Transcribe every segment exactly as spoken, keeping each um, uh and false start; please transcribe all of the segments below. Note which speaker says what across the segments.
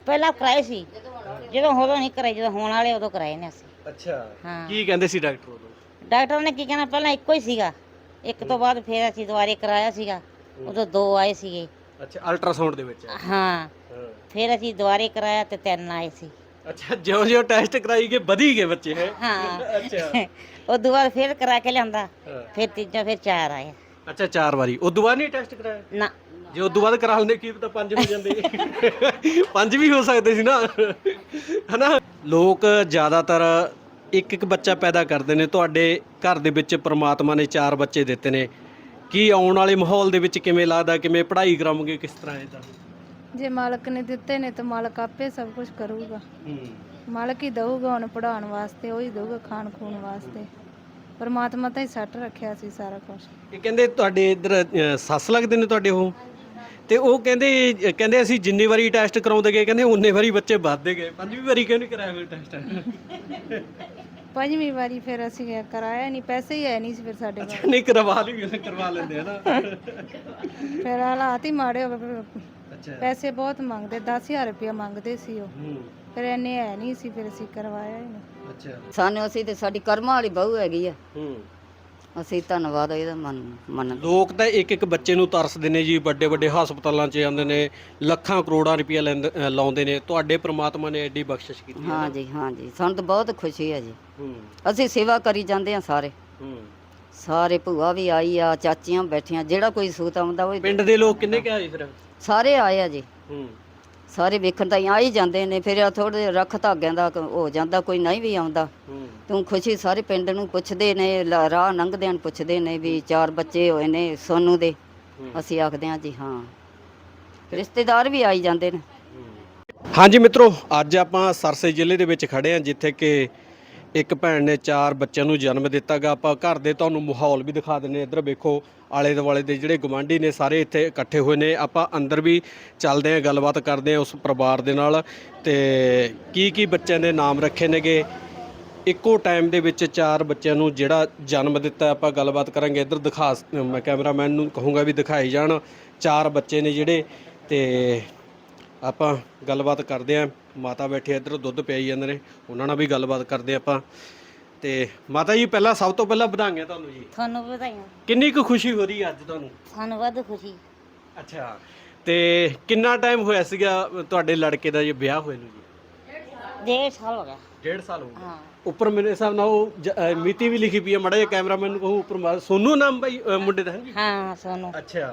Speaker 1: ਪਹਿਲਾਂ ਕਰਾਏ ਸੀ, ਜਦੋਂ ਉਦੋਂ ਨਹੀਂ ਕਰਾਏ, ਜਦੋਂ ਹੋਣ ਵਾਲੇ ਉਦੋਂ ਕਰਾਏ ਨੇ ਅਸੀਂ।
Speaker 2: ਅੱਛਾ,
Speaker 1: ਹਾਂ।
Speaker 2: ਕੀ ਕਹਿੰਦੇ ਸੀ ਡਾਕਟਰ ਉਦੋਂ?
Speaker 1: ਡਾਕਟਰ ਨੇ ਕੀ ਕਹਿਣਾ, ਪਹਿਲਾਂ ਇੱਕੋ ਹੀ ਸੀਗਾ, ਇੱਕ ਤੋਂ ਬਾਅਦ ਫਿਰ ਅਸੀਂ ਦੁਬਾਰੇ ਕਰਾਇਆ ਸੀਗਾ, ਉਦੋਂ ਦੋ ਆਏ ਸੀਗੇ।
Speaker 2: ਅੱਛਾ, ਅਲਟਰਾਸਾਊਂਡ ਦੇ ਵਿੱਚ?
Speaker 1: ਹਾਂ,
Speaker 2: ਹਾਂ,
Speaker 1: ਫਿਰ ਅਸੀਂ ਦੁਬਾਰੇ ਕਰਾਇਆ ਤੇ ਤਿੰਨ ਆਏ ਸੀ।
Speaker 2: ਅੱਛਾ, ਜਿਉਂ ਜਿਉਂ ਟੈਸਟ ਕਰਾਈ ਗਏ ਵਧੀ ਗਏ ਬੱਚੇ ਹੈ?
Speaker 1: ਹਾਂ।
Speaker 2: ਅੱਛਾ,
Speaker 1: ਉਹ ਦੁਬਾਰਾ ਫਿਰ ਕਰਾ ਕੇ ਲਿਆਂਦਾ,
Speaker 2: ਹਾਂ।
Speaker 1: ਫਿਰ ਤੀਜਾ, ਫਿਰ ਚਾਰ ਆਏ।
Speaker 2: ਅੱਛਾ, ਚਾਰ ਵਾਰੀ ਉਦੋਂ ਬਾਅਦ ਨਹੀਂ ਟੈਸਟ ਕਰਾਇਆ?
Speaker 1: ਨਾ,
Speaker 2: ਜੇ ਉਦੋਂ ਬਾਅਦ ਕਰਾ ਲੈਂਦੇ ਕੀ ਪਤਾ ਪੰਜ ਹੋ ਜਾਂਦੇ। ਪੰਜ ਵੀ ਹੋ ਸਕਦੇ ਸੀ ਨਾ, ਹਨਾ। ਲੋਕ ਜ਼ਿਆਦਾਤਰ ਇੱਕ ਇੱਕ ਬੱਚਾ ਪੈਦਾ ਕਰਦੇ ਨੇ, ਤੁਹਾਡੇ ਘਰ ਦੇ ਵਿੱਚ ਪ੍ਰਮਾਤਮਾ ਨੇ ਚਾਰ ਬੱਚੇ ਦਿੱਤੇ ਨੇ, ਕੀ ਆਉਣ ਵਾਲੇ ਮਾਹੌਲ ਦੇ ਵਿੱਚ ਕਿਵੇਂ ਲੱਗਦਾ, ਕਿਵੇਂ ਪੜ੍ਹਾਈ ਕਰਾਉਂਗੇ, ਕਿਸ ਤਰ੍ਹਾਂ ਇਹਦਾ?
Speaker 3: ਜੇ ਮਾਲਕ ਨੇ ਦਿੱਤੇ ਨੇ ਤਾਂ ਮਾਲਕ ਆਪੇ ਸਭ ਕੁਝ ਕਰੂਗਾ।
Speaker 2: ਹੂੰ,
Speaker 3: ਮਾਲਕ ਹੀ ਦਊਗਾ ਹੁਣ ਪੜਾਉਣ ਵਾਸਤੇ, ਉਹ ਹੀ ਦਊਗਾ ਖਾਣ ਖੂਣ ਵਾਸਤੇ। ਪਰਮਾਤਮਾ ਤਾਂ ਹੀ ਸੱਟ ਰੱਖਿਆ ਸੀ ਸਾਰਾ ਕੁਝ।
Speaker 2: ਇਹ ਕਹਿੰਦੇ ਤੁਹਾਡੇ ਇੱਧਰ ਅ, ਸੱਸ ਲੱਗਦੇ ਨੇ ਤੁਹਾਡੇ ਉਹ, ਤੇ ਉਹ ਕਹਿੰਦੇ ਕਹਿੰਦੇ ਅਸੀਂ ਜਿੰਨੀ ਵਾਰੀ ਟੈਸਟ ਕਰਾਉਂਦੇ ਗਏ ਕਹਿੰਦੇ ਉਨੇ ਵਾਰੀ ਬੱਚੇ ਵੱਧਦੇ ਗਏ, ਪੰਜਵੀਂ ਵਾਰੀ ਕਿਉਂ ਨਹੀਂ ਕਰਾਇਆ ਫਿਰ ਟੈਸਟ?
Speaker 3: ਪੰਜਵੀਂ ਵਾਰੀ ਫਿਰ ਅਸੀਂ ਕਰਾਇਆ ਨਹੀਂ, ਪੈਸੇ ਹੀ ਹੈ ਨਹੀਂ ਸੀ ਫਿਰ ਸਾਡੇ ਕੋਲ।
Speaker 2: ਅੱਛਾ, ਨਹੀਂ ਕਰਵਾ ਲਈ, ਕਰਵਾ ਲੈਂਦੇ ਹਨਾ।
Speaker 3: ਫਿਰ ਹਾਲਾਤ ਹੀ ਮਾੜੇ ਹੋ ਗਏ,
Speaker 2: ਅੱਛਾ,
Speaker 3: ਪੈਸੇ ਬਹੁਤ ਮੰਗਦੇ, ਦਸ ਹਜ਼ਾਰ ਰੁਪਇਆ ਮੰਗਦੇ ਸੀ ਉਹ,
Speaker 2: ਹੂੰ,
Speaker 3: ਫਿਰ ਇੰਨੇ ਹੈ ਨਹੀਂ ਸੀ, ਫਿਰ ਅਸੀਂ ਕਰਵਾਇਆ ਹੀ ਨਹੀਂ।
Speaker 2: ਅੱਛਾ,
Speaker 4: ਸਾਨੂੰ ਅਸੀਂ ਤੇ ਸਾਡੀ ਕਰਮਾਂ ਵਾਲੀ ਬਹੂ ਹੈਗੀ ਆ,
Speaker 2: ਹੂੰ।
Speaker 4: ਅਸੀਂ ਧੰਨਵਾਦ ਇਹਦਾ ਮੰਨ ਮੰਨਦੇ।
Speaker 2: ਲੋਕ ਤਾਂ ਇੱਕ ਇੱਕ ਬੱਚੇ ਨੂੰ ਤਰਸਦੇ ਨੇ ਜੀ, ਵੱਡੇ ਵੱਡੇ ਹਸਪਤਾਲਾਂ 'ਚ ਜਾਂਦੇ ਨੇ, ਲੱਖਾਂ ਕਰੋੜਾਂ ਰੁਪਇਆ ਲੈਂਦੇ ਅ, ਲਾਉਂਦੇ ਨੇ, ਤੁਹਾਡੇ ਪ੍ਰਮਾਤਮਾ ਨੇ ਐਡੀ ਬਖਸ਼ਿਸ਼ ਕੀਤੀ ਹੈ।
Speaker 4: ਹਾਂ ਜੀ, ਹਾਂ ਜੀ, ਸਾਨੂੰ ਤਾਂ ਬਹੁਤ ਖੁਸ਼ੀ ਹੈ ਜੀ।
Speaker 2: ਹੂੰ,
Speaker 4: ਅਸੀਂ ਸੇਵਾ ਕਰੀ ਜਾਂਦੇ ਆ ਸਾਰੇ,
Speaker 2: ਹੂੰ।
Speaker 4: ਸਾਰੇ ਭੂਆ ਵੀ ਆਈ ਆ, ਚਾਚੀਆਂ ਬੈਠੀਆਂ, ਜਿਹੜਾ ਕੋਈ ਸੂਤ ਆਉਂਦਾ ਉਹ
Speaker 2: ਪਿੰਡ ਦੇ ਲੋਕ ਕਿੰਨੇ ਕੁ ਆਏ ਫਿਰ?
Speaker 4: ਸਾਰੇ ਆਏ ਆ ਜੀ,
Speaker 2: ਹੂੰ,
Speaker 4: ਸਾਰੇ ਵੇਖਣ ਤਾਂ ਆ ਹੀ ਜਾਂਦੇ ਨੇ। ਫਿਰ ਥੋੜੇ ਰੱਖ ਧਾਗਿਆਂ ਦਾ ਕ- ਹੋ ਜਾਂਦਾ, ਕੋਈ ਨਹੀਂ ਵੀ ਆਉਂਦਾ।
Speaker 2: ਹੂੰ,
Speaker 4: ਤੂੰ ਖੁਸ਼ੀ ਸਾਰੇ ਪਿੰਡ ਨੂੰ ਪੁੱਛਦੇ ਨੇ, ਲ- ਰਾਹ ਲੰਘਦਿਆਂ ਨੂੰ ਪੁੱਛਦੇ ਨੇ ਵੀ ਚਾਰ ਬੱਚੇ ਹੋਏ ਨੇ ਸੋਨੂ ਦੇ।
Speaker 2: ਹੂੰ।
Speaker 4: ਅਸੀਂ ਆਖਦੇ ਹਾਂ ਜੀ ਹਾਂ, ਰਿਸ਼ਤੇਦਾਰ ਵੀ ਆਈ ਜਾਂਦੇ ਨੇ।
Speaker 2: ਹਾਂਜੀ ਮਿੱਤਰੋ, ਅੱਜ ਆਪਾਂ ਸਰਸੇ ਜ਼ਿਲ੍ਹੇ ਦੇ ਵਿੱਚ ਖੜੇ ਹਾਂ, ਜਿੱਥੇ ਕਿ ਇੱਕ ਭੈਣ ਨੇ ਚਾਰ ਬੱਚਿਆਂ ਨੂੰ ਜਨਮ ਦਿੱਤਾਗਾ। ਆਪਾਂ ਘਰ ਦੇ ਤੁਹਾਨੂੰ ਮਾਹੌਲ ਵੀ ਦਿਖਾ ਦਿੰਦੇ। ਇੱਧਰ ਵੇਖੋ, ਆਲੇ ਦੁਆਲੇ ਦੇ ਜਿਹੜੇ ਗਵਾਂਢੀ ਨੇ ਸਾਰੇ ਇੱਥੇ ਇਕੱਠੇ ਹੋਏ ਨੇ। ਆਪਾਂ ਅੰਦਰ ਵੀ ਚੱਲਦੇ ਹਾਂ, ਗੱਲਬਾਤ ਕਰਦੇ ਹਾਂ ਉਸ ਪਰਿਵਾਰ ਦੇ ਨਾਲ, ਤੇ ਕੀ ਕੀ ਬੱਚਿਆਂ ਦੇ ਨਾਮ ਰੱਖੇ ਨੇਗੇ। ਇੱਕੋ ਟਾਈਮ ਦੇ ਵਿੱਚ ਚਾਰ ਬੱਚਿਆਂ ਨੂੰ ਜਿਹੜਾ ਜਨਮ ਦਿੱਤਾ, ਆਪਾਂ ਗੱਲਬਾਤ ਕਰਾਂਗੇ। ਇੱਧਰ ਦਿਖਾ, ਮੈਂ ਕੈਮਰਾਮੈਨ ਨੂੰ ਕਹੂੰਗਾ ਵੀ ਦਿਖਾਈ ਜਾਣ। ਚਾਰ ਬੱਚੇ ਨੇ ਜਿਹੜੇ, ਤੇ ਆਪਾਂ ਗੱਲਬਾਤ ਕਰਦੇ ਹਾਂ। ਮਾਤਾ ਬੈਠੇ ਇੱਧਰ ਦੁੱਧ ਪਿਆਈ ਜਾਂਦੇ ਨੇ, ਉਹਨਾਂ ਨਾਲ ਵੀ ਗੱਲਬਾਤ ਕਰਦੇ ਆਪਾਂ। ਤੇ ਮਾਤਾ ਜੀ, ਪਹਿਲਾਂ ਸਭ ਤੋਂ ਪਹਿਲਾਂ ਵਧਾਈਆਂ ਤੁਹਾਨੂੰ ਜੀ।
Speaker 1: ਤੁਹਾਨੂੰ ਵੀ ਵਧਾਈਆਂ।
Speaker 2: ਕਿੰਨੀ ਕੁ ਖੁਸ਼ੀ ਹੋ ਰਹੀ ਹੈ ਅੱਜ ਤੁਹਾਨੂੰ?
Speaker 1: ਸਾਨੂੰ ਵੱਧ ਖੁਸ਼ੀ।
Speaker 2: ਅੱਛਾ, ਤੇ ਕਿੰਨਾ ਟਾਈਮ ਹੋਇਆ ਸੀਗਾ ਤੁਹਾਡੇ ਲੜਕੇ ਦਾ ਜੇ ਵਿਆਹ ਹੋਏ ਨੂੰ ਜੀ?
Speaker 1: ਡੇਢ ਸਾਲ ਹੋ ਗਿਆ।
Speaker 2: ਡੇਢ ਸਾਲ ਹੋ ਗਿਆ।
Speaker 1: ਹਾਂ,
Speaker 2: ਉੱਪਰ ਮੇਰੇ ਹਿਸਾਬ ਨਾਲ ਉਹ ਜ- ਅ, ਮਿਤੀ ਵੀ ਲਿਖੀ ਪਈ ਹੈ, ਮਾੜਾ ਜਿਹਾ ਕੈਮਰਾਮੈਨ ਨੂੰ ਕਹੂੰ ਉੱਪਰ ਮਾ- ਸੋਨੂ ਨਾਮ ਬਾਈ ਅ, ਮੁੰਡੇ ਦਾ ਹੈ ਜੀ?
Speaker 1: ਹਾਂ ਸੋਨੂੰ।
Speaker 2: ਅੱਛਾ,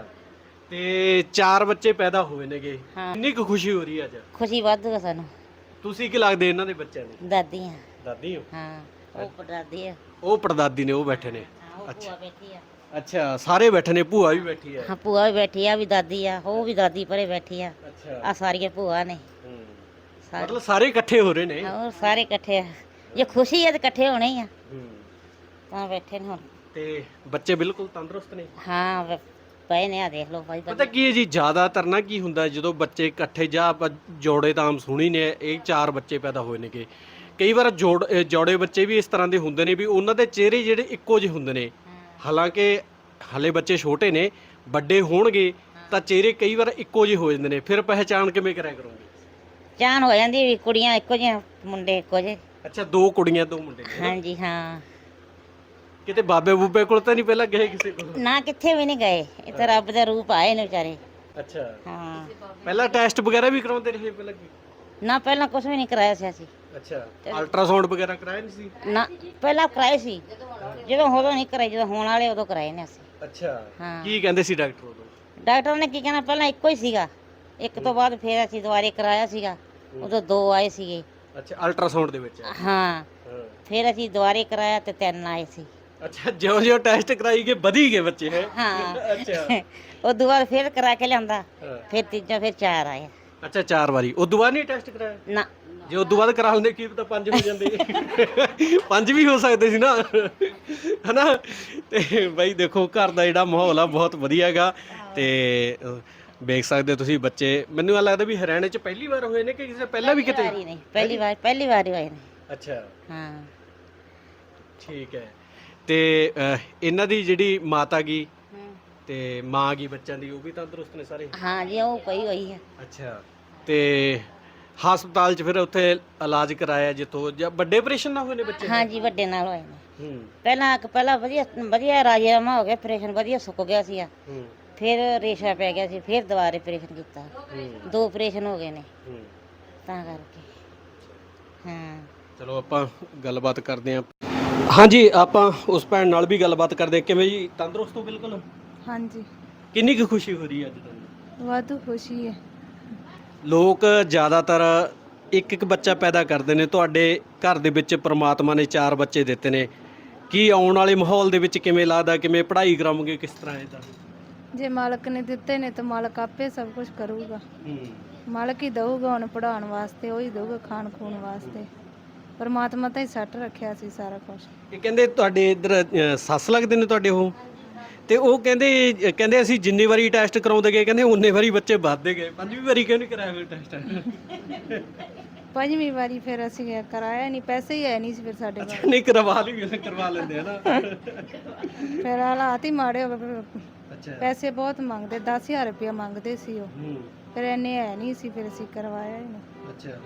Speaker 2: ਤੇ ਚਾਰ ਬੱਚੇ ਪੈਦਾ ਹੋਏ ਨੇਗੇ,
Speaker 1: ਹਾਂ।
Speaker 2: ਕਿੰਨੀ ਕੁ ਖੁਸ਼ੀ ਹੋ ਰਹੀ ਹੈ ਅੱਜ?
Speaker 1: ਖੁਸ਼ੀ ਵੱਧ ਹੈ ਸਾਨੂੰ।
Speaker 2: ਤੁਸੀਂ ਕੀ ਲੱਗਦੇ ਇਹਨਾਂ ਦੇ ਬੱਚਿਆਂ ਦੇ?
Speaker 1: ਦਾਦੀ ਆ।
Speaker 2: ਦਾਦੀ ਹੋ?
Speaker 1: ਹਾਂ, ਉਹ ਪੜਦਾਦੀ ਆ।
Speaker 2: ਉਹ ਪੜਦਾਦੀ ਨੇ, ਉਹ ਬੈਠੇ ਨੇ।
Speaker 1: ਹਾਂ, ਉਹ ਭੂਆ ਬੈਠੀ ਆ।
Speaker 2: ਅੱਛਾ, ਸਾਰੇ ਬੈਠੇ ਨੇ, ਭੂਆ ਵੀ ਬੈਠੀ ਹੈ?
Speaker 1: ਹਾਂ, ਭੂਆ ਵੀ ਬੈਠੀ ਆ, ਵੀ ਦਾਦੀ ਆ, ਉਹ ਵੀ ਦਾਦੀ ਪਰੇ ਬੈਠੀ ਆ।
Speaker 2: ਅੱਛਾ,
Speaker 1: ਆ ਸਾਰੀਆਂ ਭੂਆ ਨੇ
Speaker 2: ਹੂੰ।
Speaker 1: ਸਾਰੇ।
Speaker 2: ਮਤਲਬ ਸਾਰੇ ਇਕੱਠੇ ਹੋ ਰਹੇ ਨੇ?
Speaker 1: ਹੋਰ ਸਾਰੇ ਇਕੱਠੇ ਆ। ਜੇ ਖੁਸ਼ੀ ਹੈ ਤਾਂ ਇਕੱਠੇ ਹੋਣੇ ਹੀ ਆ,
Speaker 2: ਹੂੰ।
Speaker 1: ਤਾਂ ਬੈਠੇ ਨੇ ਹੁਣ।
Speaker 2: ਤੇ ਬੱਚੇ ਬਿਲਕੁਲ ਤੰਦਰੁਸਤ ਨੇ?
Speaker 1: ਹਾਂ, ਵ- ਪਏ ਨੇ, ਆ ਦੇਖ ਲਓ ਭਾਈ।
Speaker 2: ਪਤਾ ਕੀ ਹੈ ਜੀ, ਜ਼ਿਆਦਾਤਰ ਨਾ ਕੀ ਹੁੰਦਾ, ਜਦੋਂ ਬੱਚੇ ਇਕੱਠੇ, ਜਾਂ ਆਪਾਂ ਜੋੜੇ ਤਾਂ ਆਮ ਸੁਣੀ ਨੇ, ਇਹ ਚਾਰ ਬੱਚੇ ਪੈਦਾ ਹੋਏ ਨੇਗੇ। ਕਈ ਵਾਰ ਜੋੜ ਅ, ਜੋੜੇ ਬੱਚੇ ਵੀ ਇਸ ਤਰ੍ਹਾਂ ਦੇ ਹੁੰਦੇ ਨੇ ਵੀ ਉਹਨਾਂ ਦੇ ਚਿਹਰੇ ਜਿਹੜੇ ਇੱਕੋ ਜਿਹੇ ਹੁੰਦੇ ਨੇ। ਹਾਲਾਂਕਿ ਹਲੇ ਬੱਚੇ ਛੋਟੇ ਨੇ, ਵੱਡੇ ਹੋਣਗੇ ਤਾਂ ਚਿਹਰੇ ਕਈ ਵਾਰ ਇੱਕੋ ਜਿਹੇ ਹੋ ਜਾਂਦੇ ਨੇ। ਫਿਰ ਪਹਿਚਾਣ ਕਿਵੇਂ ਕਰਿਆ ਕਰੋਗੇ?
Speaker 1: ਚਾਨ ਹੋ ਜਾਂਦੀ ਵੀ ਕੁੜੀਆਂ ਇੱਕੋ ਜਿਹੀਆਂ, ਮੁੰਡੇ ਇੱਕੋ ਜਿਹੇ।
Speaker 2: ਅੱਛਾ, ਦੋ ਕੁੜੀਆਂ ਦੋ ਮੁੰਡੇ ਨੇ।
Speaker 1: ਹਾਂਜੀ ਹਾਂ।
Speaker 2: ਕਿਤੇ ਬਾਬੇ ਬੂਬੇ ਕੋਲ ਤਾਂ ਨਹੀਂ ਪਹਿਲਾਂ ਗਏ ਕਿਸੇ ਕੋਲ?
Speaker 1: ਨਾ, ਕਿੱਥੇ ਵੀ ਨਹੀਂ ਗਏ। ਇਹ ਤਾਂ ਰੱਬ ਦਾ ਰੂਪ ਆਏ ਨੇ ਵਿਚਾਰੇ।
Speaker 2: ਅੱਛਾ,
Speaker 1: ਹਾਂ,
Speaker 2: ਪਹਿਲਾਂ ਟੈਸਟ ਵਗੈਰਾ ਵੀ ਕਰਾਉਂਦੇ ਰਹੇ ਪਹਿਲਾਂ ਕੀ?
Speaker 1: ਨਾ ਪਹਿਲਾਂ ਕੁਝ ਵੀ ਨਹੀਂ ਕਰਾਇਆ ਸੀ ਅਸੀਂ।
Speaker 2: ਅੱਛਾ, ਅਲਟਰਾਸਾਊਂਡ ਵਗੈਰਾ ਕਰਾਇਆ ਨਹੀਂ ਸੀ?
Speaker 1: ਨਾ, ਪਹਿਲਾਂ ਕਰਾਏ ਸੀ, ਜਦੋਂ ਉਦੋਂ ਨਹੀਂ ਕਰਾਏ, ਜਦੋਂ ਹੋਣ ਵਾਲੇ ਉਦੋਂ ਕਰਾਏ ਨੇ ਅਸੀਂ।
Speaker 2: ਅੱਛਾ,
Speaker 1: ਹਾਂ।
Speaker 2: ਕੀ ਕਹਿੰਦੇ ਸੀ ਡਾਕਟਰ ਉਦੋਂ?
Speaker 1: ਡਾਕਟਰ ਨੇ ਕੀ ਕਹਿਣਾ, ਪਹਿਲਾਂ ਇੱਕੋ ਹੀ ਸੀਗਾ, ਇੱਕ ਤੋਂ ਬਾਅਦ ਫਿਰ ਅਸੀਂ ਦੁਬਾਰੇ ਕਰਾਇਆ ਸੀਗਾ, ਉਦੋਂ ਦੋ ਆਏ ਸੀਗੇ।
Speaker 2: ਅੱਛਾ, ਅਲਟਰਾਸਾਊਂਡ ਦੇ ਵਿੱਚ?
Speaker 1: ਹਾਂ,
Speaker 2: ਹਾਂ,
Speaker 1: ਫਿਰ ਅਸੀਂ ਦੁਬਾਰੇ ਕਰਾਇਆ ਤੇ ਤਿੰਨ ਆਏ ਸੀ।
Speaker 2: ਅੱਛਾ, ਜਿਉਂ ਜਿਉਂ ਟੈਸਟ ਕਰਾਈ ਗਏ ਵਧੀ ਗਏ ਬੱਚੇ ਹੈ?
Speaker 1: ਹਾਂ।
Speaker 2: ਅੱਛਾ,
Speaker 1: ਉਹ ਦੁਬਾਰਾ ਫਿਰ ਕਰਾ ਕੇ ਲਿਆਂਦਾ,
Speaker 2: ਹਾਂ।
Speaker 1: ਫਿਰ ਤੀਜਾ, ਫਿਰ ਚਾਰ ਆਏ।
Speaker 2: ਅੱਛਾ, ਚਾਰ ਵਾਰੀ ਉਦੋਂ ਬਾਅਦ ਨਹੀਂ ਟੈਸਟ ਕਰਾਇਆ?
Speaker 1: ਨਾ,
Speaker 2: ਜੇ ਉਦੋਂ ਬਾਅਦ ਕਰਾ ਲੈਂਦੇ ਕੀ ਪਤਾ ਪੰਜ ਹੋ ਜਾਂਦੇ। ਪੰਜ ਵੀ ਹੋ ਸਕਦੇ ਸੀ ਨਾ, ਹਨਾ। ਤੇ ਬਾਈ ਦੇਖੋ, ਘਰ ਦਾ ਜਿਹੜਾ ਮਾਹੌਲ ਆ ਬਹੁਤ ਵਧੀਆ ਹੈਗਾ। ਤੇ ਅ, ਵੇਖ ਸਕਦੇ ਹੋ ਤੁਸੀਂ ਬੱਚੇ। ਮੈਨੂੰ ਇਹ ਲੱਗਦਾ ਵੀ ਹਰਿਆਣੇ 'ਚ ਪਹਿਲੀ ਵਾਰ ਹੋਏ ਨੇ ਕਿ ਕਿਸੇ ਪਹਿਲਾਂ ਵੀ ਕਿਤੇ?
Speaker 1: ਪਹਿਲੀ ਵਾਰੀ ਨਹੀਂ, ਪਹਿਲੀ ਵਾਰ, ਪਹਿਲੀ ਵਾਰ ਹੀ ਹੋਏ ਨੇ।
Speaker 2: ਅੱਛਾ,
Speaker 1: ਹਾਂ।
Speaker 2: ਠੀਕ ਹੈ। ਤੇ ਅ, ਇਹਨਾਂ ਦੀ ਜਿਹੜੀ ਮਾਤਾ ਗੀ ਤੇ ਮਾਂ ਗੀ ਬੱਚਿਆਂ ਦੀ, ਉਹ ਵੀ ਤੰਦਰੁਸਤ ਨੇ ਸਾਰੇ?
Speaker 1: ਹਾਂ ਜੀ, ਉਹ ਪਈ ਹੋਈ ਹੈ।
Speaker 2: ਅੱਛਾ, ਤੇ ਹਸਪਤਾਲ 'ਚ ਫਿਰ ਉੱਥੇ ਇਲਾਜ ਕਰਾਇਆ ਜਿੱਥੋਂ ਜਾਂ ਵੱਡੇ ਆਪਰੇਸ਼ਨ ਨਾ ਹੋਏ ਨੇ ਬੱਚੇ ਦੇ?
Speaker 1: ਹਾਂਜੀ ਵੱਡੇ ਨਾਲ ਹੋਏ ਨੇ।
Speaker 2: ਹੂੰ
Speaker 1: ਪਹਿਲਾਂ ਇੱਕ ਪਹਿਲਾਂ ਵਧੀਆ ਵਧੀਆ ਰਾਜੀਨਾਮਾ ਹੋ ਗਿਆ, ਆਪਰੇਸ਼ਨ ਵਧੀਆ ਸੁੱਕ ਗਿਆ ਸੀ।
Speaker 2: ਹੂੰ
Speaker 1: ਫਿਰ ਰੇਸ਼ਾ ਪੈ ਗਿਆ ਸੀ, ਫਿਰ ਦੁਬਾਰਾ ਆਪਰੇਸ਼ਨ ਕੀਤਾ।
Speaker 2: ਹੂੰ
Speaker 1: ਦੋ ਆਪਰੇਸ਼ਨ ਹੋ ਗਏ ਨੇ
Speaker 2: ਹੂੰ।
Speaker 1: ਤਾਂ ਕਰਕੇ। ਹਾਂ
Speaker 2: ਚਲੋ ਆਪਾਂ ਗੱਲਬਾਤ ਕਰਦੇ ਹਾਂ। ਹਾਂਜੀ, ਆਪਾਂ ਉਸ ਭੈਣ ਨਾਲ ਵੀ ਗੱਲਬਾਤ ਕਰਦੇ ਹਾਂ। ਕਿਵੇਂ ਜੀ, ਤੰਦਰੁਸਤ ਹੋ ਬਿਲਕੁਲ?
Speaker 3: ਹਾਂਜੀ,
Speaker 2: ਕਿੰਨੀ ਕੁ ਖੁਸ਼ੀ ਹੋ ਰਹੀ ਹੈ ਅੱਜ ਤੁਹਾਨੂੰ?
Speaker 3: ਵਾਧੂ ਖੁਸ਼ੀ ਹੈ।
Speaker 2: ਲੋਕ ਜ਼ਿਆਦਾਤਰ ਇੱਕ ਇੱਕ ਬੱਚਾ ਪੈਦਾ ਕਰਦੇ ਨੇ, ਤੁਹਾਡੇ ਘਰ ਦੇ ਵਿੱਚ ਪ੍ਰਮਾਤਮਾ ਨੇ ਚਾਰ ਬੱਚੇ ਦਿੱਤੇ ਨੇ। ਕੀ ਆਉਣ ਵਾਲੇ ਮਾਹੌਲ ਦੇ ਵਿੱਚ ਕਿਵੇਂ ਲੱਗਦਾ, ਕਿਵੇਂ ਪੜ੍ਹਾਈ ਕਰਾਉਂਗੇ, ਕਿਸ ਤਰ੍ਹਾਂ ਇਹਦਾ?
Speaker 3: ਜੇ ਮਾਲਕ ਨੇ ਦਿੱਤੇ ਨੇ ਤਾਂ ਮਾਲਕ ਆਪੇ ਸਭ ਕੁਝ ਕਰੂਗਾ।
Speaker 2: ਹੂੰ
Speaker 3: ਮਾਲਕ ਹੀ ਦਊਗਾ ਹੁਣ ਪੜਾਉਣ ਵਾਸਤੇ, ਉਹ ਹੀ ਦਊਗਾ ਖਾਣ ਖੂਣ ਵਾਸਤੇ। ਪਰਮਾਤਮਾ ਤਾਂ ਹੀ ਸੱਟ ਰੱਖਿਆ ਸੀ ਸਾਰਾ ਕੁਝ।
Speaker 2: ਇਹ ਕਹਿੰਦੇ ਤੁਹਾਡੇ ਇੱਧਰ ਅ, ਸੱਸ ਲੱਗਦੇ ਨੇ ਤੁਹਾਡੇ ਉਹ, ਤੇ ਉਹ ਕਹਿੰਦੇ ਕਹਿੰਦੇ ਅਸੀਂ ਜਿੰਨੀ ਵਾਰੀ ਟੈਸਟ ਕਰਾਉਂਦੇ ਗਏ ਕਹਿੰਦੇ ਉਨੇ ਵਾਰੀ ਬੱਚੇ ਵੱਧਦੇ ਗਏ। ਪੰਜਵੀਂ ਵਾਰੀ ਕਿਉਂ ਨਹੀਂ ਕਰਾਇਆ ਫਿਰ ਟੈਸਟ?
Speaker 3: ਪੰਜਵੀਂ ਵਾਰੀ ਫਿਰ ਅਸੀਂ ਕਰਾਇਆ ਨਹੀਂ, ਪੈਸੇ ਹੀ ਹੈ ਨਹੀਂ ਸੀ ਫਿਰ ਸਾਡੇ ਕੋਲ।
Speaker 2: ਨਹੀਂ ਕਰਵਾ ਲਈ, ਕਰਵਾ ਲੈਂਦੇ ਆ ਨਾ।
Speaker 3: ਫਿਰ ਹਾਲਾਤ ਹੀ ਮਾੜੇ ਹੋ ਗਏ, ਫਿਰ
Speaker 2: ਅੱਛਾ।
Speaker 3: ਪੈਸੇ ਬਹੁਤ ਮੰਗਦੇ, ਦਸ ਹਜ਼ਾਰ ਰੁਪਇਆ ਮੰਗਦੇ ਸੀ ਉਹ।
Speaker 2: ਹੂੰ
Speaker 3: ਫਿਰ ਇੰਨੇ ਹੈ ਨਹੀਂ ਸੀ, ਫਿਰ ਅਸੀਂ ਕਰਵਾਇਆ ਹੀ ਨਹੀਂ।
Speaker 2: ਅੱਛਾ।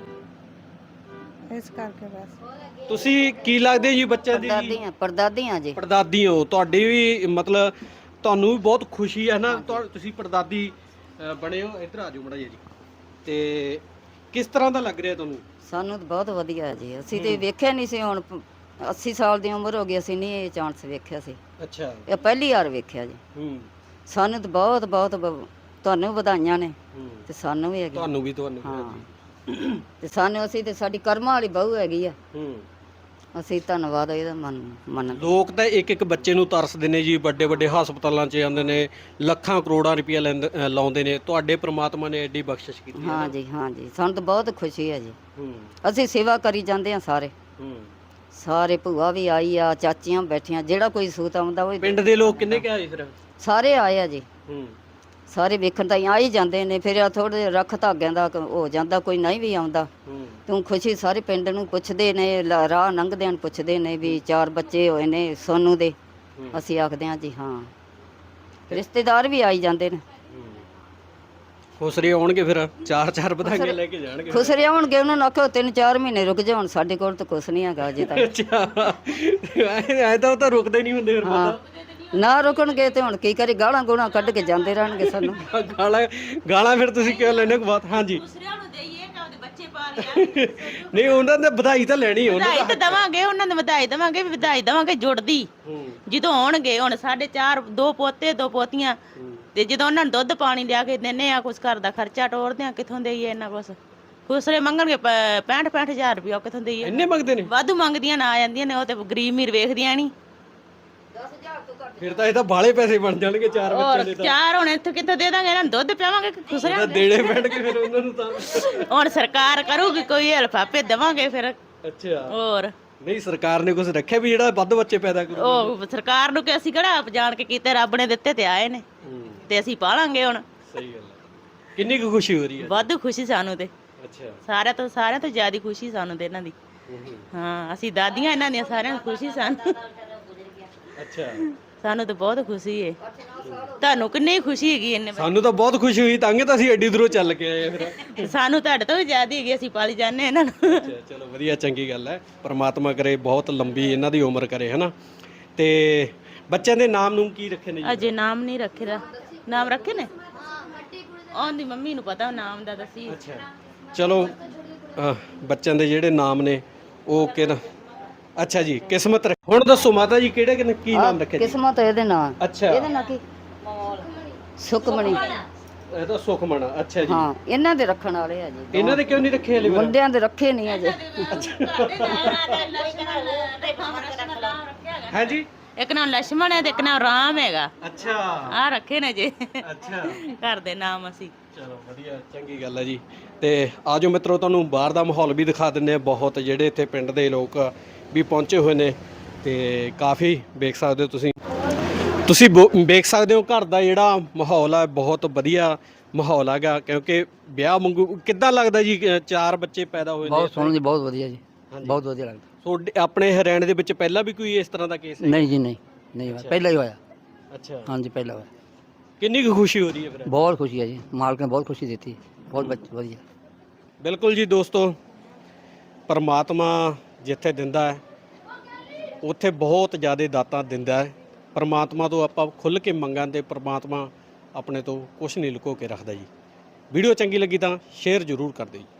Speaker 3: ਇਸ ਕਰਕੇ ਬਸ।
Speaker 2: ਤੁਸੀਂ ਕੀ ਲੱਗਦੇ ਜੀ ਬੱਚਿਆਂ ਦੀ?
Speaker 4: ਪਰਦਾਦੀਆਂ ਪਰਦਾਦੀਆਂ ਜੀ।
Speaker 2: ਪੜਦਾਦੀ ਹੋ, ਤੁਹਾਡੀ ਵੀ ਮਤਲਬ ਤੁਹਾਨੂੰ ਵੀ ਬਹੁਤ ਖੁਸ਼ੀ ਹੈ ਨਾ, ਤੁਹਾ- ਤੁਸੀਂ ਪੜਦਾਦੀ ਅ, ਬਣੇ ਹੋ। ਇੱਧਰ ਆ ਜਾਓ ਮੜਾ ਜੀ। ਤੇ ਕਿਸ ਤਰ੍ਹਾਂ ਦਾ ਲੱਗ ਰਿਹਾ ਤੁਹਾਨੂੰ?
Speaker 4: ਸਾਨੂੰ ਤਾਂ ਬਹੁਤ ਵਧੀਆ ਜੀ। ਅਸੀਂ ਤੇ ਵੇਖਿਆ ਨਹੀਂ ਸੀ, ਹੁਣ ਪ- ਅੱਸੀ ਸਾਲ ਦੀ ਉਮਰ ਹੋ ਗਈ, ਅਸੀਂ ਨਹੀਂ ਇਹ ਚਾਂਸ ਵੇਖਿਆ ਸੀ।
Speaker 2: ਅੱਛਾ।
Speaker 4: ਇਹ ਪਹਿਲੀ ਵਾਰ ਵੇਖਿਆ ਜੀ।
Speaker 2: ਹੂੰ
Speaker 4: ਸਾਨੂੰ ਤਾਂ ਬਹੁਤ ਬਹੁਤ ਬ- ਤੁਹਾਨੂੰ ਵਧਾਈਆਂ ਨੇ
Speaker 2: ਹੂੰ।
Speaker 4: ਤੇ ਸਾਨੂੰ ਵੀ ਹੈਗੀ।
Speaker 2: ਤੁਹਾਨੂੰ ਵੀ ਤੁਹਾਨੂੰ ਵੀ,
Speaker 4: ਹਾਂ
Speaker 2: ਹਾਂਜੀ।
Speaker 4: ਤੇ ਸਾਨੂੰ ਅਸੀਂ ਤੇ ਸਾਡੀ ਕਰਮਾਂ ਵਾਲੀ ਬਹੂ ਹੈਗੀ ਆ।
Speaker 2: ਹੂੰ।
Speaker 4: ਅਸੀਂ ਧੰਨਵਾਦ ਇਹਦਾ ਮੰਨ ਮੰਨਦੇ।
Speaker 2: ਲੋਕ ਤਾਂ ਇੱਕ ਇੱਕ ਬੱਚੇ ਨੂੰ ਤਰਸਦੇ ਨੇ ਜੀ, ਵੱਡੇ ਵੱਡੇ ਹਸਪਤਾਲਾਂ 'ਚ ਜਾਂਦੇ ਨੇ, ਲੱਖਾਂ ਕਰੋੜਾਂ ਰੁਪਈਆ ਲੈਂਦੇ ਅ, ਲਾਉਂਦੇ ਨੇ। ਤੁਹਾਡੇ ਪ੍ਰਮਾਤਮਾ ਨੇ ਐਡੀ ਬਖਸ਼ਿਸ਼ ਕੀਤੀ ਹੈ ਨਾ।
Speaker 4: ਹਾਂ ਜੀ, ਹਾਂ ਜੀ, ਸਾਨੂੰ ਤਾਂ ਬਹੁਤ ਖੁਸ਼ੀ ਹੈ ਜੀ।
Speaker 2: ਹੂੰ
Speaker 4: ਅਸੀਂ ਸੇਵਾ ਕਰੀ ਜਾਂਦੇ ਆ ਸਾਰੇ
Speaker 2: ਹੂੰ।
Speaker 4: ਸਾਰੇ ਭੂਆ ਵੀ ਆਈ ਆ, ਚਾਚੀਆਂ ਬੈਠੀਆਂ, ਜਿਹੜਾ ਕੋਈ ਸੂਤ ਆਉਂਦਾ ਉਹ
Speaker 2: ਪਿੰਡ ਦੇ ਲੋਕ ਕਿੰਨੇ ਕੁ ਆਏ ਫਿਰ?
Speaker 4: ਸਾਰੇ ਆਏ ਆ ਜੀ।
Speaker 2: ਹੂੰ
Speaker 4: ਸਾਰੇ ਵੇਖਣ ਤਾਂ ਆ ਹੀ ਜਾਂਦੇ ਨੇ। ਫਿਰ ਆ ਥੋੜੇ ਰੱਖ ਧਾਗਿਆਂ ਦਾ ਕ- ਹੋ ਜਾਂਦਾ, ਕੋਈ ਨਹੀਂ ਵੀ ਆਉਂਦਾ।
Speaker 2: ਹੂੰ
Speaker 4: ਤੂੰ ਖੁਸ਼ੀ ਸਾਰੇ ਪਿੰਡ ਨੂੰ ਪੁੱਛਦੇ ਨੇ, ਲ- ਰਾਹ ਲੰਘਦਿਆਂ ਨੂੰ ਪੁੱਛਦੇ ਨੇ ਵੀ ਚਾਰ ਬੱਚੇ ਹੋਏ ਨੇ ਸੋਨੂੰ ਦੇ।
Speaker 2: ਹੂੰ।
Speaker 4: ਅਸੀਂ ਆਖਦੇ ਹਾਂ ਜੀ ਹਾਂ। ਰਿਸ਼ਤੇਦਾਰ ਵੀ ਆਈ ਜਾਂਦੇ ਨੇ।
Speaker 2: ਖੁਸਰੇ ਆਉਣਗੇ ਫਿਰ, ਚਾਰ ਚਾਰ ਵਧਾਈਆਂ ਲੈ ਕੇ ਜਾਣਗੇ।
Speaker 4: ਖੁਸਰੇ ਆਉਣਗੇ, ਉਹਨਾਂ ਨੂੰ ਆਖੋ ਤਿੰਨ ਚਾਰ ਮਹੀਨੇ ਰੁਕ ਜਾਓ, ਹੁਣ ਸਾਡੇ ਕੋਲ ਤਾਂ ਕੁਛ ਨਹੀਂ ਹੈਗਾ ਅਜੇ ਤੱਕ।
Speaker 2: ਅੱਛਾ, ਐ ਤਾਂ ਉਹ ਤਾਂ ਰੁਕਦੇ ਨਹੀਂ ਹੁੰਦੇ ਫਿਰ।
Speaker 4: ਹਾਂ, ਨਾ ਰੁਕਣਗੇ ਤੇ ਹੁਣ ਕੀ ਕਰੇ, ਗਾਲਾਂ ਗੋਲਾਂ ਕੱਢ ਕੇ ਜਾਂਦੇ ਰਹਿਣਗੇ ਸਾਨੂੰ।
Speaker 2: ਪਤਾ ਗਾਲਾਂ ਗਾਲਾਂ ਫਿਰ ਤੁਸੀਂ ਕਿਉਂ ਲੈਣੇ ਕੋ ਬਾਤ? ਹਾਂਜੀ। ਨਹੀਂ, ਉਹਨਾਂ ਨੇ ਵਧਾਈ ਤਾਂ ਲੈਣੀ, ਉਹਨਾਂ
Speaker 5: ਵਧਾਈ ਤਾਂ ਦਵਾਂਗੇ, ਉਹਨਾਂ ਨੂੰ ਵਧਾਈ ਦਵਾਂਗੇ, ਵੀ ਵਧਾਈ ਦਵਾਂਗੇ ਜੁੜਦੀ ਜਦੋਂ ਆਉਣਗੇ। ਹੁਣ ਸਾਡੇ ਚਾਰ, ਦੋ ਪੋਤੇ ਦੋ ਪੋਤੀਆਂ, ਤੇ ਜਦੋਂ ਉਹਨਾਂ ਨੂੰ ਦੁੱਧ ਪਾਣੀ ਲਿਆ ਕੇ ਦਿੰਨੇ ਆ, ਕੁਛ ਘਰ ਦਾ ਖਰਚਾ ਟੋਰਦੇ ਆ, ਕਿੱਥੋਂ ਦੇਈਏ ਇੰਨਾ ਕੁਛ? ਖੁਸਰੇ ਮੰਗਣਗੇ ਪੈਂਹਠ ਪੈਂਹਠ ਹਜ਼ਾਰ ਰੁਪਇਆ, ਉਹ ਕਿੱਥੋਂ ਦੇਈਏ?
Speaker 2: ਇੰਨੇ ਮੰਗਦੇ ਨੇ?
Speaker 5: ਵਾਧੂ ਮੰਗਦੀਆਂ ਨਾ ਆ ਜਾਂਦੀਆਂ ਨੇ, ਉਹ ਤੇ ਗਰੀਬ ਮੀਰ ਵੇਖਦੀਆਂ ਨਹੀਂ।
Speaker 2: ਫਿਰ ਤਾਂ ਇਹ ਤਾਂ ਬਾਲੇ ਪੈਸੇ ਬਣ ਜਾਣਗੇ ਚਾਰ ਬੱਚਿਆਂ
Speaker 5: ਹੋਰ
Speaker 2: ਦੇ ਤਾਂ।
Speaker 5: ਚਾਰ ਹੁਣ ਇੱਥੇ ਕਿੱਥੋਂ ਦੇ ਦਾਂਗੇ ਇਹਨਾਂ ਨੂੰ? ਦੁੱਧ ਪਿਆਵਾਂਗੇ ਕਿ ਖੁਸਰਿਆਂ
Speaker 2: ਤਾਂ
Speaker 5: ਨੂੰ?
Speaker 2: ਦੇਣੇ ਪੈਣਗੇ ਫਿਰ ਉਹਨਾਂ ਨੂੰ ਤਾਂ।
Speaker 5: ਹੁਣ ਸਰਕਾਰ ਕਰੂਗੀ ਕੋਈ ਹੈਲਪ, ਆਪੇ ਦੇਵਾਂਗੇ ਫਿਰ।
Speaker 2: ਅੱਛਾ।
Speaker 5: ਹੋਰ
Speaker 2: ਨਹੀਂ, ਸਰਕਾਰ ਨੇ ਕੁਝ ਰੱਖਿਆ ਵੀ ਜਿਹੜਾ ਵੱਧ ਬੱਚੇ ਪੈਦਾ ਕਰੂ?
Speaker 5: ਉਹ ਸਰਕਾਰ ਨੂੰ ਕਿ ਅਸੀਂ ਕਿਹੜਾ ਆਪ ਜਾਣ ਕੇ ਕੀਤੇ, ਰੱਬ ਨੇ ਦਿੱਤੇ ਤੇ ਆਏ ਨੇ, ਤੇ ਅਸੀਂ ਪਾਲਾਂਗੇ ਹੁਣ।
Speaker 2: ਸਹੀ ਗੱਲ ਹੈ। ਕਿੰਨੀ ਕੁ ਖੁਸ਼ੀ ਹੋ ਰਹੀ ਹੈ?
Speaker 5: ਵਾਧੂ ਖੁਸ਼ੀ ਸਾਨੂੰ ਤੇ,
Speaker 2: ਅੱਛਾ।
Speaker 5: ਸਾਰਿਆਂ ਤੋਂ ਸਾਰਿਆਂ ਤੋਂ ਜ਼ਿਆਦਾ ਖੁਸ਼ੀ ਸਾਨੂੰ ਤੇ ਇਹਨਾਂ ਦੀ। ਹਾਂ, ਅਸੀਂ ਦਾਦੀਆਂ ਇਹਨਾਂ ਦੀਆਂ, ਸਾਰਿਆਂ ਨੂੰ ਖੁਸ਼ੀ ਸਾਨੂੰ।
Speaker 2: ਅੱਛਾ।
Speaker 5: ਸਾਨੂੰ ਤਾਂ ਬਹੁਤ ਖੁਸ਼ੀ ਏ। ਤੁਹਾਨੂੰ ਕਿੰਨੀ ਖੁਸ਼ੀ ਹੈਗੀ ਇਹਨੇ?
Speaker 2: ਸਾਨੂੰ ਤਾਂ ਬਹੁਤ ਖੁਸ਼ੀ ਹੋਈ, ਤਾਂ ਤਾਂ ਅਸੀਂ ਐਡੀ ਦੂਰੋਂ ਚੱਲ ਕੇ ਆਏ ਆ ਫਿਰ।
Speaker 5: ਸਾਨੂੰ ਤੁਹਾਡੇ ਤੋਂ ਵੀ ਜ਼ਿਆਦਾ ਹੈਗੀ, ਅਸੀਂ ਪਾਲੀ ਜਾਂਦੇ ਇਹਨਾਂ ਨੂੰ।
Speaker 2: ਅੱਛਾ, ਚਲੋ ਵਧੀਆ, ਚੰਗੀ ਗੱਲ ਹੈ। ਪਰਮਾਤਮਾ ਕਰੇ ਬਹੁਤ ਲੰਬੀ ਇਹਨਾਂ ਦੀ ਉਮਰ ਕਰੇ, ਹਨਾ। ਤੇ ਬੱਚਿਆਂ ਦੇ ਨਾਮ ਨੂੰ ਕੀ ਰੱਖੇ ਨੇ ਜੀ?
Speaker 5: ਅਜੇ ਨਾਮ ਨਹੀਂ ਰੱਖੇ ਦਾ। ਨਾਮ ਰੱਖੇ ਨੇ? ਉਹਦੀ ਮੰਮੀ ਨੂੰ ਪਤਾ ਨਾਮ ਦਾ, ਦੱਸੀ।
Speaker 2: ਅੱਛਾ, ਚਲੋ ਅਹ, ਬੱਚਿਆਂ ਦੇ ਜਿਹੜੇ ਨਾਮ ਨੇ ਉਹ ਕਿਹੜਾ? ਅੱਛਾ ਜੀ, ਕਿਸਮਤ ਰੱਖ- ਹੁਣ ਦੱਸੋ ਮਾਤਾ ਜੀ, ਕਿਹੜੇ ਕਿਹਨੇ ਕੀ ਨਾਮ ਰੱਖੇ ਜੀ?
Speaker 4: ਕਿਸਮਤ ਇਹਦੇ ਨਾਂ।
Speaker 2: ਅੱਛਾ।
Speaker 4: ਇਹਦੇ ਨਾਂ ਕੀ? ਸੁਖਮਣੀ।
Speaker 2: ਇਹ ਤਾਂ ਸੁਖਮਣ। ਅੱਛਾ ਜੀ।
Speaker 4: ਹਾਂ, ਇਹਨਾਂ ਦੇ ਰੱਖਣ ਵਾਲੇ ਆ ਜੀ।
Speaker 2: ਇਹਨਾਂ ਦੇ ਕਿਉਂ ਨਹੀਂ ਰੱਖੇ ਹਲੇ?
Speaker 4: ਮੁੰਡਿਆਂ ਦੇ ਰੱਖੇ ਨਹੀਂ ਅਜੇ।
Speaker 2: ਹੈ ਜੀ।
Speaker 5: ਇੱਕ ਨਾਮ ਲక్ష్మణ ਹੈ ਤੇ ਇੱਕ ਨਾਮ ਰਾਮ ਹੈਗਾ।
Speaker 2: ਅੱਛਾ।
Speaker 5: ਆ ਰੱਖੇ ਨੇ ਜੇ
Speaker 2: ਅੱਛਾ,
Speaker 5: ਘਰ ਦੇ ਨਾਮ ਅਸੀਂ।
Speaker 2: ਚਲੋ ਵਧੀਆ, ਚੰਗੀ ਗੱਲ ਹੈ ਜੀ। ਤੇ ਆਜੋ ਮਿੱਤਰੋ, ਤੁਹਾਨੂੰ ਬਾਹਰ ਦਾ ਮਾਹੌਲ ਵੀ ਦਿਖਾ ਦਿੰਦੇ ਆ। ਬਹੁਤ ਜਿਹੜੇ ਇੱਥੇ ਪਿੰਡ ਦੇ ਲੋਕ ਵੀ ਪਹੁੰਚੇ ਹੋਏ ਨੇ, ਤੇ ਕਾਫੀ ਵੇਖ ਸਕਦੇ ਹੋ ਤੁਸੀਂ ਤੁਸੀਂ ਬੋ- ਵੇਖ ਸਕਦੇ ਹੋ ਘਰ ਦਾ ਜਿਹੜਾ ਮਾਹੌਲ ਹੈ, ਬਹੁਤ ਵਧੀਆ ਮਾਹੌਲ ਹੈਗਾ। ਕਿਉਂਕਿ ਵਿਆਹ ਵਾਂਗੂ ਕਿੱਦਾਂ ਲੱਗਦਾ ਜੀ? ਅ, ਚਾਰ ਬੱਚੇ ਪੈਦਾ ਹੋਏ ਨੇ।
Speaker 6: ਬਹੁਤ ਸੋਹਣਾ ਜੀ, ਬਹੁਤ ਵਧੀਆ ਜੀ, ਬਹੁਤ ਵਧੀਆ ਲੱਗਦਾ।
Speaker 2: ਤੁਹਾਡੇ ਆਪਣੇ ਹਰਿਆਣੇ ਦੇ ਵਿੱਚ ਪਹਿਲਾਂ ਵੀ ਕੋਈ ਇਸ ਤਰ੍ਹਾਂ ਦਾ ਕੇਸ ਹੈ?
Speaker 6: ਨਹੀਂ ਜੀ, ਨਹੀਂ ਨਹੀਂ ਹੋਇਆ, ਪਹਿਲਾਂ ਹੀ ਹੋਇਆ।
Speaker 2: ਅੱਛਾ।
Speaker 6: ਹਾਂਜੀ, ਪਹਿਲਾਂ ਹੋਇਆ।
Speaker 2: ਕਿੰਨੀ ਕੁ ਖੁਸ਼ੀ ਹੋ ਰਹੀ ਹੈ ਫਿਰ?
Speaker 6: ਬਹੁਤ ਖੁਸ਼ੀ ਹੈ ਜੀ, ਮਾਲਕ ਨੇ ਬਹੁਤ ਖੁਸ਼ੀ ਦਿੱਤੀ, ਬਹੁਤ ਬੱਚ- ਵਧੀਆ।
Speaker 2: ਬਿਲਕੁਲ ਜੀ ਦੋਸਤੋ, ਪਰਮਾਤਮਾ ਜਿੱਥੇ ਦਿੰਦਾ ਹੈ ਉੱਥੇ ਬਹੁਤ ਜ਼ਿਆਦਾ ਦਾਤਾਂ ਦਿੰਦਾ ਹੈ। ਪਰਮਾਤਮਾ ਤੋਂ ਆਪਾਂ ਖੁੱਲ੍ਹ ਕੇ ਮੰਗਾਂ ਤੇ ਪਰਮਾਤਮਾ ਆਪਣੇ ਤੋਂ ਕੁਝ ਨਹੀਂ ਲੁਕੋ ਕੇ ਰੱਖਦਾ ਜੀ। ਵੀਡੀਓ ਚੰਗੀ ਲੱਗੀ ਤਾਂ ਸ਼ੇਅਰ ਜ਼ਰੂਰ ਕਰ ਦਿਓ ਜੀ।